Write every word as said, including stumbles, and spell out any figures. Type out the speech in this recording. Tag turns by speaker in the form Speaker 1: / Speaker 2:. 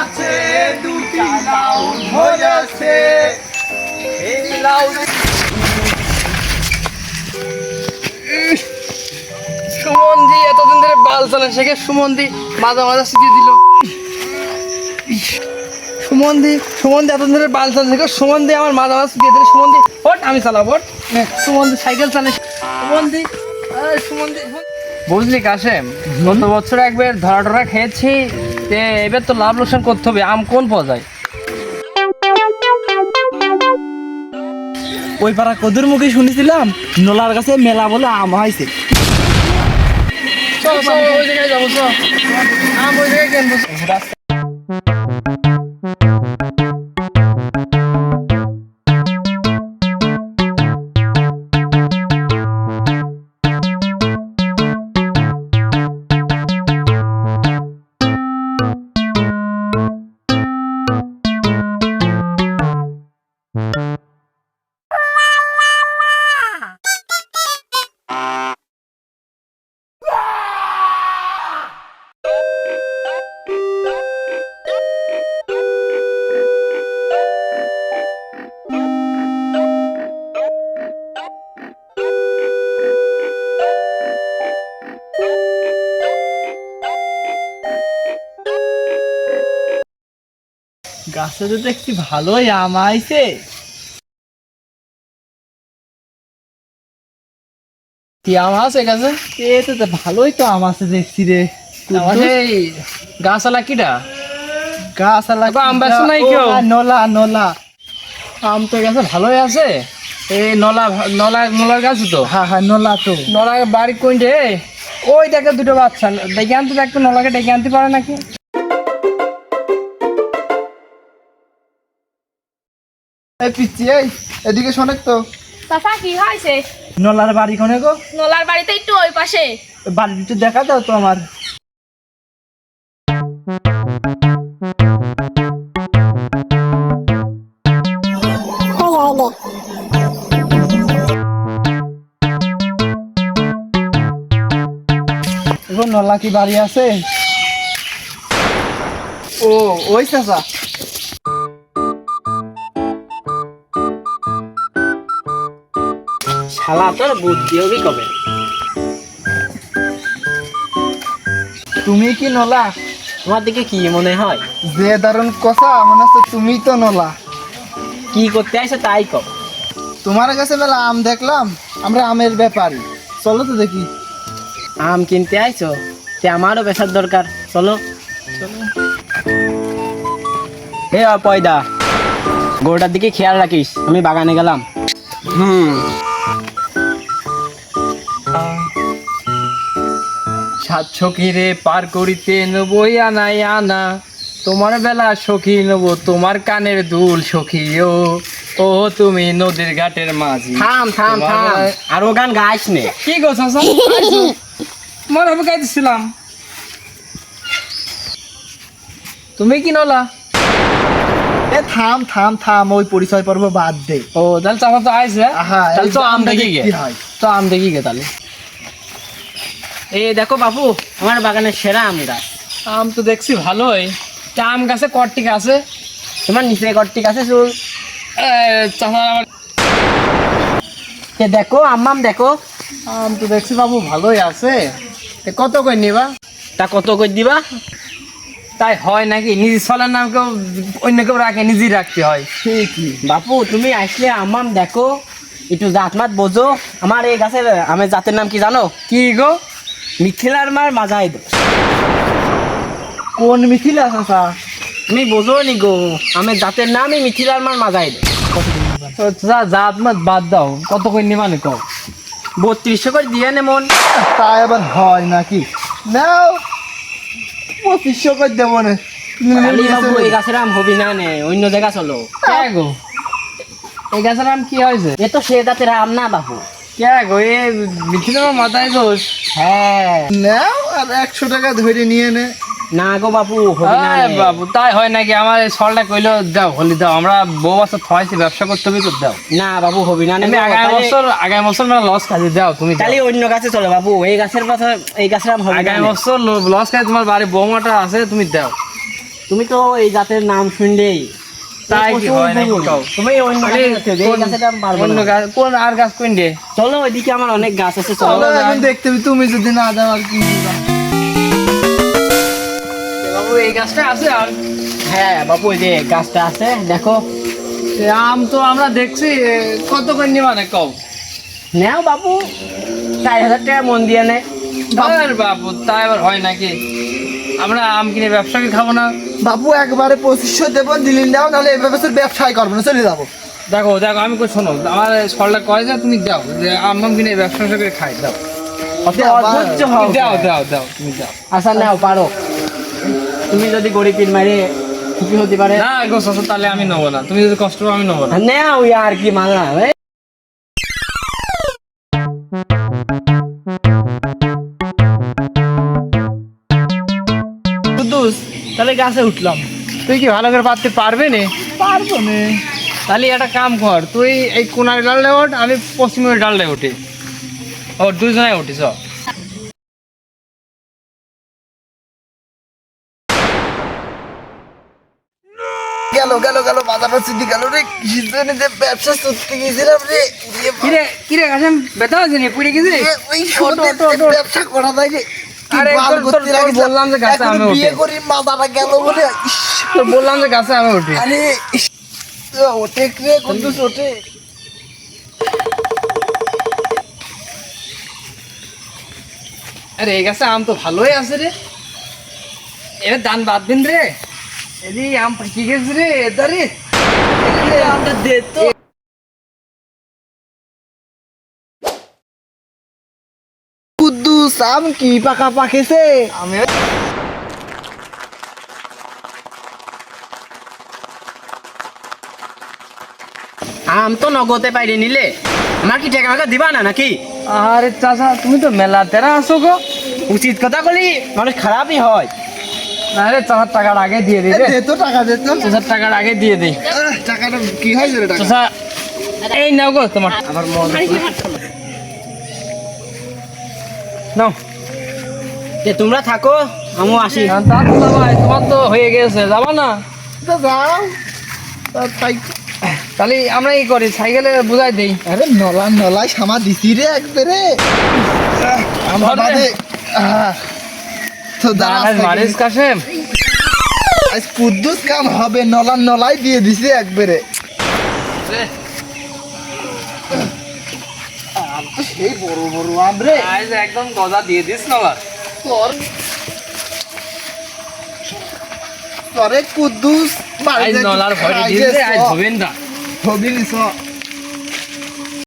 Speaker 1: আছে দুটি লাউ ধরেছে এই লাউ সুমনদি এতদিন ধরে বাল চালান শেখে সুমনদি মাঝে মাঝে শিখিয়ে দিল সুমনদি সুমনদি এতদিন ধরে বাল চালান শেখে সুমনদি আমার মাঝে মাঝে শিখিয়ে দিল সুমনদি ওট আমি চালাবো ওট সুমনদি সাইকেল চালে সুমনদি সুমনদি বুঝলি কাশেম গত বছর একবার ধরা টরা খেয়েছি এবার তো লাভ লোকসান করতে হবে আম কোন পাওয়া যায়
Speaker 2: ওই পাড়া কদুর মুখে শুনেছিলাম নোলার কাছে মেলা বলে আম হয়েছে
Speaker 1: চল চল ওই জায়গায় যাবো চল আম ওই জায়গায় কিনবো
Speaker 2: গাছে তো দেখছি ভালোই আম আইছে
Speaker 1: কি আম আছে গাছে
Speaker 2: এ তো ভালোই তো আম আছে দেখছি রে
Speaker 1: গাছ আলা কিটা
Speaker 2: গাছ
Speaker 1: আম বেশ নাই কেউ
Speaker 2: নলা নলা
Speaker 1: আম তো গাছে ভালোই আছে এই নলা নলা নলার গাছ তো
Speaker 2: হ্যাঁ হ্যাঁ নলা তো
Speaker 1: নলা বাড়ি কোনটে ওই দেখে দুটো বাচ্চা ডেকে আনতে দেখতো নলাকে ডেকে আনতে পারে নাকি
Speaker 2: এই পিচ্ছি এই এদিকে শোনেক তো
Speaker 3: চাচা কি হয়েছে?
Speaker 2: নলার বাড়ি কোনে গো?
Speaker 3: নলার বাড়িতে একটু ওই পাশে।
Speaker 2: বাড়িটা একটু দেখা দাও তো আমার। নলা কি বাড়ি আছে? ও ওই চাচা
Speaker 1: শালা তোর বুদ্ধি হবে কবে?
Speaker 2: তুমি কি নলা?
Speaker 1: তোমার দিকে কি মনে হয়?
Speaker 2: যে দারুণ কথা মনে হচ্ছে তুমি তো নলা।
Speaker 1: কি করতে আসে তাই কর।
Speaker 2: তোমার কাছে মেলা আম দেখলাম, আমরা আমের ব্যাপারী, চলো তো দেখি।
Speaker 1: আম কিনতে আইছো? তে আমারও বেচার দরকার, চলো চলো। হে পয়দা, গরুটার দিকে খেয়াল রাখিস, আমি বাগানে গেলাম। হুম সাত সখীরে পার করিতে নবই আনাই আনা, তোমার বেলা সখী নেবো তোমার কানের দুল সখী ও ও তুমি নদীর ঘাটের মাঝি। থাম থাম থাম, আর ও গান গাইস নে। কি গো চাচা? মনে হবে গাইতেছিলাম। তুমি কি নলা?
Speaker 2: এ থাম থাম থাম, ওই পরিচয় পর্ব বাদ দে।
Speaker 1: ও তাহলে চাচা তো আইছে, তাহলে তো আম দেখি গে, তো আম দেখি গে তাহলে। এই দেখো বাপু, আমার বাগানের সেরা আম গাছ। আম তো দেখছি ভালোই। আম গাছে কট্টিক আছে? তোমার নিচে কট্টিক আছে চুল? চাচা দেখো আম দেখো, আম তো দেখছি বাবু ভালোই আছে। কত কই নিবা? তা কত কই দিবা? তাই হয় নাকি? নিজের ছলের নাম কেউ অন্য কেউ রাখে, নিজেই রাখতে হয়।
Speaker 2: ঠিকই
Speaker 1: বাপু, তুমি আসলে আম দেখো, একটু জাত মাত বোঝো। আমার এই গাছের আমের জাতের নাম কি জানো? কি গো? মিথিলার মার মাজাই দো।
Speaker 2: কোন মিথিলা চাচা?
Speaker 1: তুমি বোঝো নি গো, আমের জাতের নামই মিথিলার মার মাজাই দো। জাত মাত বাদ দাও, কত করে নিবা নি কও? বত্রিশশো করে দিয়ে নে মন।
Speaker 2: তা এবার হয় নাকি? নাও পঁচিশশো করে দেবো না।
Speaker 1: বাবু এই গাছের আম হবি না নে, অন্য জায়গা চলো। কে গো, এই গাছের আম কি হয়েছে? এ তো সে জাতের আম না বাবু। কে গো, এ মিথিলার মাথায় দোষ? হ্যাঁ
Speaker 2: নাও আর একশো টাকা ধরে নিয়ে নে।
Speaker 1: না গো বাবু, হবি না বাবু। তাই হয় নাকি? আমার ছলটা কইলো দাও, হলি দাও। আমরা বউ বছর থয়েছি, ব্যবসা করতে হবে তো দাও। না বাবু, হবি না। আমি আগামী বছর আগামী বছর মানে লস খাই দাও তুমি। তাহলে অন্য গাছে চলো বাবু, এই গাছের কথা, এই গাছের আম হবে। আগামী বছর লস খাই, তোমার বাড়ি বৌমাটা আছে, তুমি দাও।
Speaker 4: তুমি তো এই জাতের নাম শুনলেই
Speaker 1: তাই কি হয় নাকি কও?
Speaker 4: তুমি অন্য
Speaker 1: তাহলে
Speaker 4: গাছে উঠে যাও, এই
Speaker 1: কোন-
Speaker 4: গাছেটা আমি পারবো
Speaker 1: অন্য
Speaker 4: না।
Speaker 1: গাছ কোন আর গাছ কোন দে?
Speaker 4: চলো ওইদিকে আমার অনেক গাছ আছে, চলো।
Speaker 2: চলো এখন দেখতে হবে, তুমি যদি না যাও আর কি দিবা?
Speaker 1: বাবু এই গাছটা আছে আর
Speaker 4: হ্যাঁ বাবু, ওই যে গাছটা আছে দেখো।
Speaker 1: এ আম তো আমরা দেখছি এ, কত করে নিবা না কও?
Speaker 4: নেও বাবু, চার হাজার টাকা মন দিয়ে নে।
Speaker 1: আর বাবু তা এবার হয় নাকি? আমরা আম কিনে ব্যবসা কি খাবো না?
Speaker 2: বাবু একবারে পঁচিশশো দেবো, দিলিন দাও, নাহলে এ বছর ব্যবসায় করবো না, চলে যাবো।
Speaker 1: দেখো দেখো আমি কই শোনো, আমার সরলা কয় যে তুমি দাও, যে আম আম কিনে ব্যবসা করে খাই, দাও
Speaker 4: অত
Speaker 2: দাও,
Speaker 4: অধৈর্য
Speaker 2: দাও,
Speaker 4: হও।
Speaker 1: দাও দাও দাও তুমি দাও।
Speaker 4: আচ্ছা নাও, পারো। তুমি যদি গরিব পীর মারে খুশি হতে পারে।
Speaker 1: না গো চাচা, তাহলে আমি নেবো না, তুমি যদি কষ্ট পাও আমি নেবো না।
Speaker 4: নেও আর কি মানা।
Speaker 2: কুদ্দুস, তাহলে গাছে উঠলাম।
Speaker 1: তুই কি ভালো করে পারতে পারবে না?
Speaker 2: পারবো না।
Speaker 1: তাহলে একটা কাম কর, তুই এই কোনার ডালটা ওঠ, আমি পশ্চিমের ডালটায় উঠি। ও দুজনে উঠিস।
Speaker 2: গেল গেল গেল বাজারটা চুটি গেল রে, কিসের জন্য যে ব্যবসা করতে গেছিলাম রে। এ বাবা,
Speaker 1: কিরে কিরে গাছে ব্যথা হয়েছে নি, পুড়ে গেছে?
Speaker 2: এ ওই সত্যি
Speaker 1: ওঠো, ওঠো, ওঠো।
Speaker 2: ব্যবসা করা যায় রে। কি
Speaker 1: আরে
Speaker 2: বাল
Speaker 1: তোর- তোর-
Speaker 2: করতে
Speaker 1: তোর
Speaker 2: লাগিস,
Speaker 1: বললাম যে গাছে
Speaker 2: এখন
Speaker 1: আমি
Speaker 2: বিয়ে
Speaker 1: উঠি।
Speaker 2: করি মাথাটা গেল বলে। ইস,
Speaker 1: তো বললাম যে গাছে আমি উঠি।
Speaker 2: আরে ইস, ওঠে রে কুদ্দুস, ওঠে।
Speaker 1: আরে এই গাছে আম তো ভালোই আছে রে, এবার দান বাদ দিন রে। এদি আম পাকি গেছে রে, এদা রে
Speaker 2: আমটা দে তো। কুদ্দুস, আম কি পাকা পাকেছে?
Speaker 1: আমি
Speaker 4: আম তো নগদে পাইলে নিলে আমার কি টাকা টাকা দিবা না নাকি?
Speaker 1: আরে চাচা, তুমি তো মেলা তেরা আসো গো।
Speaker 4: উচিত কথা বলি মানুষ খারাপই হয়।
Speaker 1: আরে চাচার টাকার আগে দিয়ে দিই
Speaker 2: এ,
Speaker 1: রে,
Speaker 2: দে তো টাকা, দে তো।
Speaker 1: চাচার টাকার আগে দিয়ে দিই।
Speaker 2: আহ, টাকাটা কি হয়েছে রে টাকা?
Speaker 1: চাচা এই নাও গো তোমার, আমার মন নাও।
Speaker 4: যে তোমরা থাকো, আমিও আসি।
Speaker 1: তা তো ভাই, তোমার তো হয়ে গেছে, যাবা না?
Speaker 2: তো যাও। তা তাই,
Speaker 1: তাহলে আমরা কি করি, সাইকেলে বুঝাই দেই।
Speaker 2: আরে নলা নলাই সামা দিছি রে একবারে। আহ, আমার
Speaker 1: ধর রে।
Speaker 2: বাদে আহ, তো দাঁড়া,
Speaker 1: আজ মারিস কাশেম,
Speaker 2: আজ কুদ্দুস কাম হবে, নলা নলাই দিয়ে দিছে একবারে। আম তো সেই বড় বড় আম রে।
Speaker 1: আজ একদম গজা দিয়ে দিস না আবার।
Speaker 2: তোর তোরে কুদ্দুস
Speaker 1: আজ নলার ভয় দিয়ে দে, আজ হবেন না।
Speaker 2: হবি নিছ